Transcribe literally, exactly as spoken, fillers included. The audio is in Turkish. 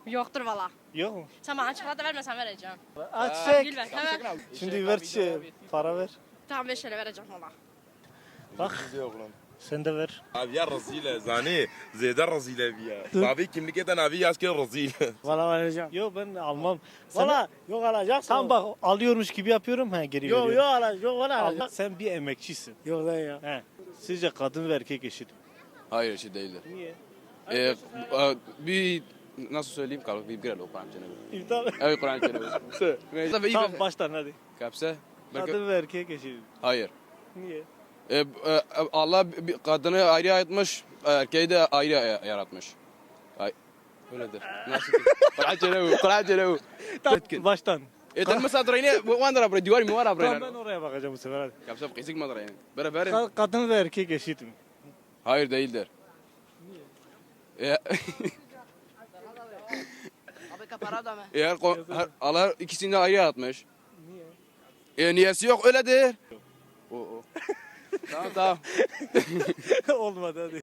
Yoktur valla. Yok mu? Sen bana çikolata vermesen vereceğim. Aç Gül çek. ver. Hemen. Şimdi ver şey, para ver. Tamam beş lira vereceğim valla. Bak sen de ver. Abi ya rezil zani. Zeyda rezil abi ya. Dur. Abi kimlik eden abi yaz ki rezil. Valla vereceğim. Yok ben almam. Valla yok alacaksın. Tam bak alıyormuş gibi yapıyorum ha geri Yok veriyorum. yok alacak. Yok valla Allah, alacak. sen bir emekçisin. Yok lan ya. He. Sizce kadın ve erkek eşit mi? Hayır eşit değildir. Niye? Ee, e, bir nasıl söyleyeyim kalk bir girelim Kur'an cenabı. İptal. Evet Kur'an cenabı. Tamam baştan hadi. Kapsa. Kadın ve erkek eşit mi? Hayır. Niye? Ee, e, Allah bir kadını ayrı yaratmış, erkeği de ayrı yaratmış. Ay, öyledir. Nasıl ki? Kur'an cenabı, Kur'an cenabı. Tamam baştan. E sen mesela durayını, bu anda buraya divar mı var Tamam buraya? ben oraya bakacağım bu sefer hadi. Kapsa kısık mı durayını? Beraber. Ka- kadın ve erkek eşit mi? Hayır değildir. Niye? Abi kapara da mı? Eğer ko- her- Allah ikisini de ayrı yaratmış. Niye? E niyesi yok öyledir. O o. Tamam tamam. Olmadı hadi.